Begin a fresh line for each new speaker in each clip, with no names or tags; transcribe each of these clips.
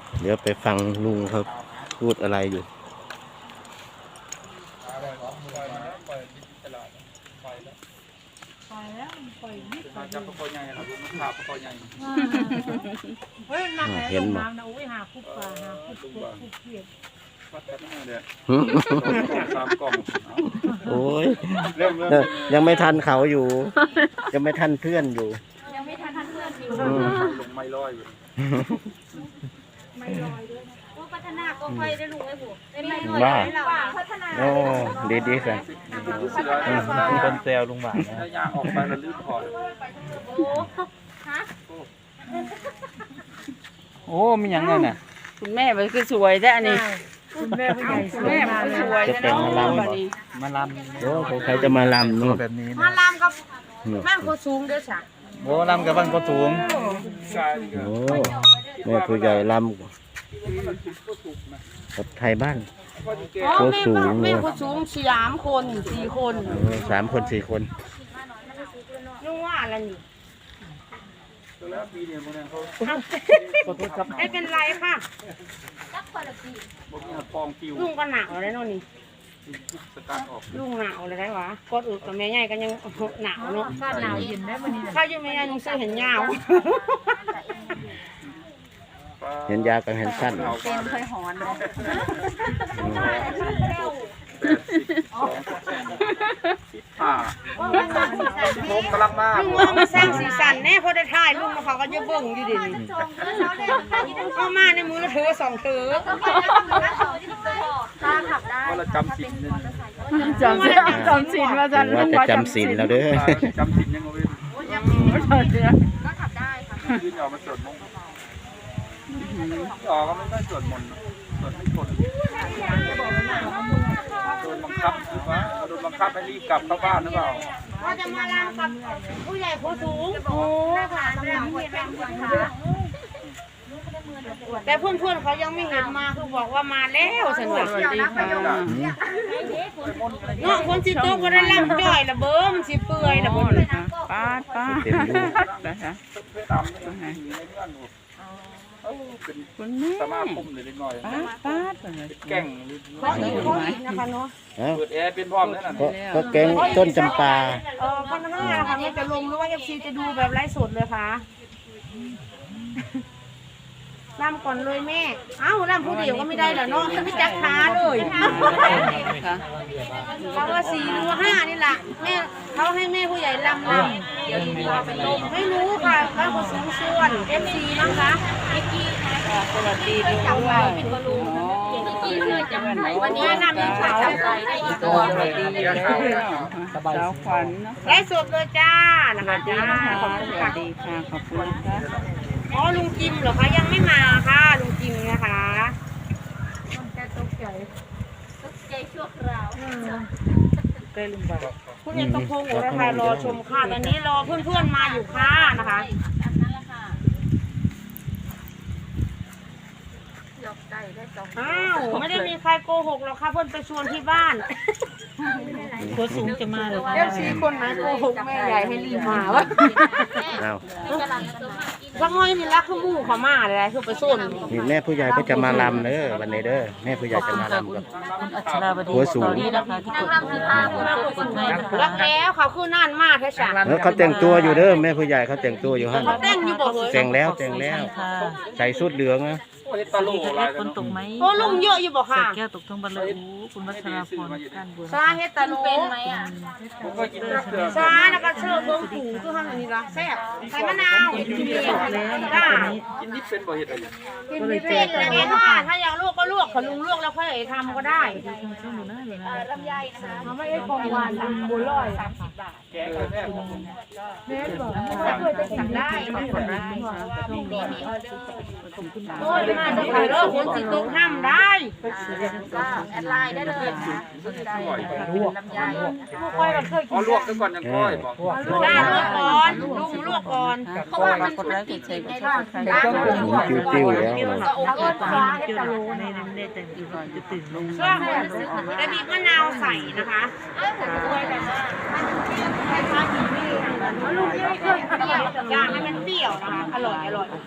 เดี๋ยวไปฟังลุงเขาพูดอะไรอยู่เห็นไหมโอ้ยยังไม่ทันเขาอยู่ยังไม่ทันเพื่อนอยู่
ยังไม่ทันเพื่อนอยู่
ลงไม่ลอยอยู่
ไม่ลอยด้วยนะพัฒนาก็ไฟได้ลุงไอ้บุไม่ลอย
ว่า
พัฒนา
โอ้ดีๆค่ะ
คนเซลลุงหวานนะยางออกไปแล้วลื่นคอ
โอ้ฮะ
โอ้มีอย่างไงน่ะ
คุณแม่มันคือสวยแท้อันนี้
คุณแม่ผู้ใหญ่
คุณแม่มันสวย
จะแต่งมาลำ
มาลำ
โอ้ใครจะมาลำนู่น
แบบนี้
มาลำกับบ้านโคสูงเด้อจ้ะ
โอ้ลำกับบ้านก็สูง
โอ้แม่ผู้ใหญ่ลำกับไทยบ้านโคสูง
แม่โคสูง3 คน 4 คน
3 คน 4 คน
นุ่งว่าอะไรนี่ไม่เป็นไรค่ะลุงก็หนาวเลยเนาะนี่ลุงหนาวเลยได้หวะกดอึกับแม่ใหญ่ก็ยังหนาวเนาะ
ก็หนาวเย็นได้วันนี้
ข้าอยู่แม่ใหญ่นุ่งเสื้อเห็นยาว
เห็นยากับเห็นสั้น
เป็นเคยหอนเลย
ลุงกำลังมา
ลุงเอามาสร้างสีสันแน่พอได้ถ่ายลุงมาเขาก็จะเบิ่งอยู่ดิเอามาในมือละเธอ2 เธอ
ตาขับได้
ว่าเราจำสิน
จำสินว่าจะ
จำสินแล้วเด้อ
จำสินยังไง
ก็ขับได้ค่ะ
ยืนออกมาสวดมนต์ออกก็ไม่ได้สวดมนต์สวดไม่คนโดนบังคับหรือว่าโดนบังคับให้รีบกลับเข้าบ้านหรือเปล่า
ว่าจะมาลำกับผู้ใหญ่ผู้สูง
โอ้ค่ะลำเห็นแรงค่ะ
แต่เพื่อนๆเขายังไม่เห็นมาคือบอกว่ามาแล้วสวัสดีค่ะเนาะคนสิโตก็ได้ลำจ่อยละเบิ้มสิเปื่อยละเบิ้ม
ป้านะคะคุณแม่สมาคมเลยเล็กน้อย
ป้า
แก่ง
เขาอีกนะคะเนาะ
เปิดแอร์เป็นพร้อมแล้วนะ
ก็แกงต้นจำปา
พันห้าค่ะมันจะลงหรือว่าFCจะดูแบบไลฟ์สดเลยค่ะลำก่อนเลยแม่เอ้าลำผู้เดียวก็ไม่ได้เหรอเนาะไม่จักขาเลยเราว่า4 หรือ 5นี่แหละแม่เขาให้แม่ผู้ใหญ่ลำ
เดี๋ยวดีเราเป็นลม
ไม่รู้ค่ะบ้านคนสูงส่วน FC นะคะ
มิกกี้
สวัสดีด้วย
เป็นคนรู้มิกกี้เลยจังวันนี้นำยิงขาวใส่ได้อีกตัว
สวัสดีสบายขวัญไลฟ์สดเลยจ้านะคะจ้าขอบคุณค่ะดีค่ะขอบคุณค่ะอ๋อลุงจิมเหรอคะยังไม่มาค่ะลุงจิมนะคะ
ตกใจชั่วคราว
เกยลุงบ่าวคุณยังต้องพงอยู่นะคะรอชมค่ะตอนนี้รอเพื่อนๆมาอยู่ค่ะนะคะอ้าวไม่ได้มีใครโกหกหรอกค่ะเพื่อนไปชวนที่บ้านตัวสูงจะมาเลยFCคนไหนโกหกแม่ใหญ่ให้รีบมาวะสักน้อยนี่รักขึ้นมู่เขามาเลยคือไปส้น
นี่แม่ผู้ใหญ่ก็จะมาลำเด้อวันนี้เด้อแม่ผู้ใหญ่จะมาลำกับหัวสูง
รักแล้วเขาคือนั่นมากแค่ฉัน
แล้วเขาแต่งตัวอยู่เด้อแม่ผู้ใหญ่เขาแต่งตัวอยู่ฮะ
เขาแต่งอยู่บ่เลย
แต่งแล้วใส่ชุดเหลืองนะ
ตลกอะไร
คนตกไหม
โอ้ลุงเยอะอยู่บ่ค่ะ
แก้วตกทั้งบันเลยคุณวัชราพรด้านบน
ซาเฮ็ดตะโลเป็นไหมอ่ะซาแล้วก็เชื่อเบิ่งผูคือทำอย่างนี้ละแซ่บใส่มะนาวจ้า
กินนิดเป็นบ่เฮ็ดอะไร
กินนิดเป็นอย่างนี้ค่ะถ้าอยากลวกก็ลวกขลุงลวกแล้วค่อยทำก็ได้
ลำไยนะคะ
ไม่ได้ของหวานบุร้อย
30 บาท
แกงแม่
แม่บอก
เคยจะสั่งได้ขอบคุณได้มีออเดอร์
โอ้ยมาจะขายแล้วคนสิตกห้ามได้
ก็แอดไลน์ได้เลยนะสนใจลำไย
ค่อยเราเคยกิน
ลวกซะก่อนยังค่อยบอก
ได้ลวกก่อนลุงลวกก่อน
เพราะว่ามันกดไลค์กดแชร์กดซับสไครบ์
จิ้วแล้ว
ก็โอเคฟ้าให้ตะโล
ในแต่งตัวจะตื่นลง
ช่วงแล้วบีบมะนาวใส่นะคะลูกไม่เคยเปรี้ยวย่างให้มันเปรี้ยวนะคะอร่อย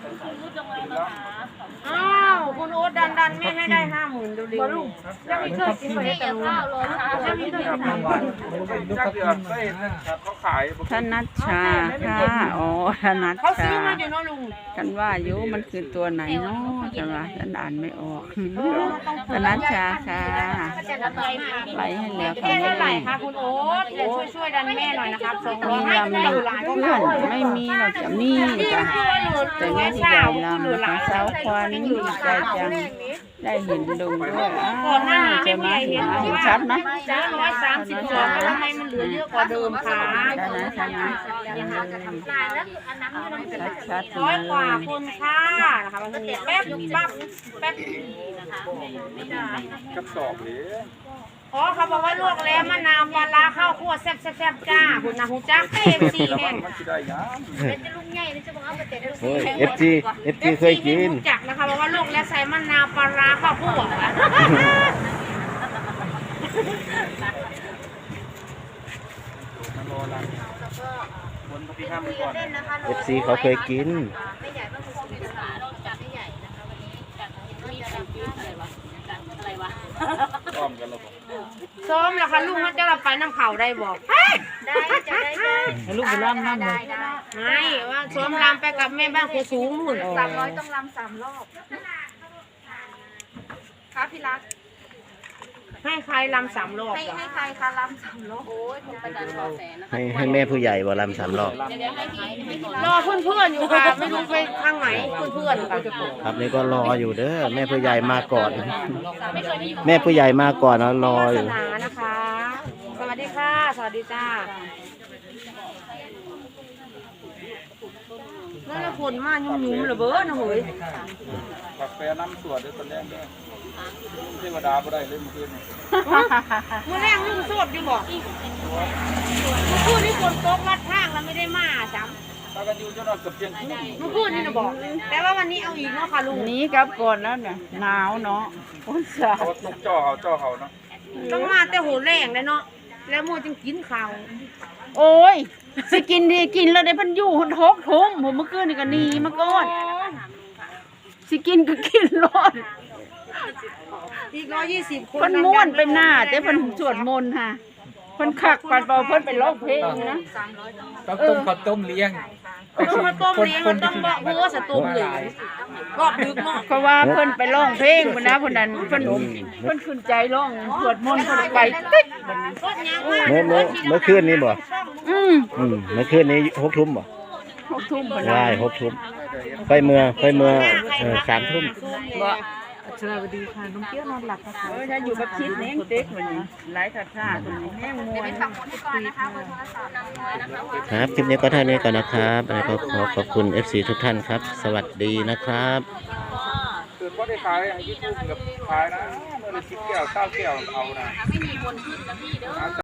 อ้าวคุณโอ๊ตดันแม่ให้ได้50,000ดูดิลูกยังไม่เคยกินเลยแต่ข้าวเลยค่ะยังไม่เคยกิน
จักเดือนก็เห็นนะครับเขาขาย
ธนัชชาค่ะอ๋อธนัช
เขาซื้
ชา
อมาอยู่เนาะลุง
ฉันว่าอยู่มันคือตัวไหนเนาะฉันว่าฉันอ่านไม่ออกธนัชชาค่ะไลให้แล้ว
แค่
ค่ะ
เท่าไหร่คะคุณโอ๊ตเดี๋ยวช่วยดันแม่หน่อยนะครับ200
มี
ให้
ลำ
ไม่
ห
อ
นึ่
ยู่
ง
หลาย
เพื่อนไม่มีหรอกจะมีจ้ะแต่แม่ผู้ใหญ่ลำนะคะสาวควันดีใจจังได้เห็นลุงด้วย
ก่อนหน้า
ใช่
ไม่
ไหม
ผู้ใหญ่เห็น
เห็นชัดไหม
จ้า132แล้วทำไมมันเหลือเยอะกว่าเดิมคะ
ใช่ไหม ชัดๆ
ร้อยกว่า
เลย
คนค่ะนะคะวันนี้แป๊บแป๊บ
กระสอบเลย
อ๋อเขาบอกว่าลวกแล้วมะนาวปลาร้าข้าวคั่วแซ่บจ้าคุณนะคุณจักเต็มสี่แห่ง
มันจะได้ยัง
โอ้ย FG เคยกิน
จักนะคะบอกว่าลวกแล้วใส่มะนาวปลาร้าข้าวคั่ว
รอละบนพี่ห้ามก่อน
FC เขาเคยกิน
อ้อมกันแล้วบอก
ซ้อมแล้วค่ะลุงเขาจะเราไปน้ำเข่าได้บอกได้จะได้
ให้ลูกไปล่ำน้ำเลย
ไม่ว่าซ้อมรำไปกับแม่บ้านครูสูงหุ่น
300ต้องรำ3 รอบค่ะพี่รัก
ให้ใครรำ3 รอบ
ให้ใครคะรำ3 รอบโอ้ยคุณประจันขอแสนนะ
ให้แม่ผู้ใหญ่บ่ลำ3 รอบ
รอเพื่อนๆอยู่ค่ะไม่รู้ไปทางไหนเพื่อนๆค่ะ
ครับนี่ก็รออยู่เด้อแม่ผู้ใหญ่มาก่อน แม่ผู้ใหญ่มาก่อนแล้วรออยู่
ศาสนานะคะ สวัสดีค่ะ สวัสดีจ้านั่นแหละผลมายุ่มๆเหรอเบ้อนะเฮ้ย
กาแฟน้ำสวดด้วยตอนแรกด้วยเทวดาบ่ได้เลยเมื่อคืน
เมื่อแรกลุงโสดอยู่บอกเมื่อคืนนี่ฝนตกลัดทางแล้วไม่ได้มาจ้ำ
ตากันอยู่จนนอนเกือบเที่ยงคืน
เมื่อคืนนี่นะบอก แต่ว่าวันนี้เอาอีกเนาะค่ะลุง
หนี้กลับก่อนแล้วเนี่ยหนาวเนาะคนสา
เขา
ว
ตกจ่อเขาเนาะ
ต้องมาแต่โหแรงเลยเนาะแล้วมัวจึงกินข้าว
โอ้ยสิกินดีกินแล้วได้พันอยู่หนทกทุ่มผมเมื่อคืนนี่ก็หนีมาก่อนสิกินก็กินรอด
อีก120 คน
เพิ่นม้วนไปหน้าแต่เพิ่นสวดมนต์ค่ะเพิ่นคักปัดเบาเพิ่นไปร้องเพลงนะ
ต้องต้มข้าวต้มเลี้ยง
มันต้มเลี้ยงมันต้องบอกเพื่อสตูมเลยรอบดึกเนาะ
เพราะว่าเพิ่นไปร้องเพลงพุ่นนะเพิ่นนั้นเพิ่นขึ้นใจร้องสวดมนต์เพิ่นไปติ๊กบัดนี้
รถยางมาก
เมื่อคืนนี้บ่ เมื่อคืนนี้6 ทุ่มบ่
6 ทุ่มพุ่น
ได้
นะ
6 ทุ่มไปเมื่อ3 ทุ่ม
บ่
สวัสดีค่ะน้องเกี้ยวนอนหลับนะคะ
ถ้าอยู่กับคิดเน้งเด็กวันนี้หลายท่าท่าคนนี้แห้งมวย
ครับคลิปนี้ก็เท่านี้ก่อนนะครับแล้วก็ขอบคุณ FC ทุกท่านครับ สวัสดีนะครับ
เกิดว่าได้ขายอย่างที่ทุ่มกับขายนะเมื่อละ10 แก้ว9 แก้วเอานะ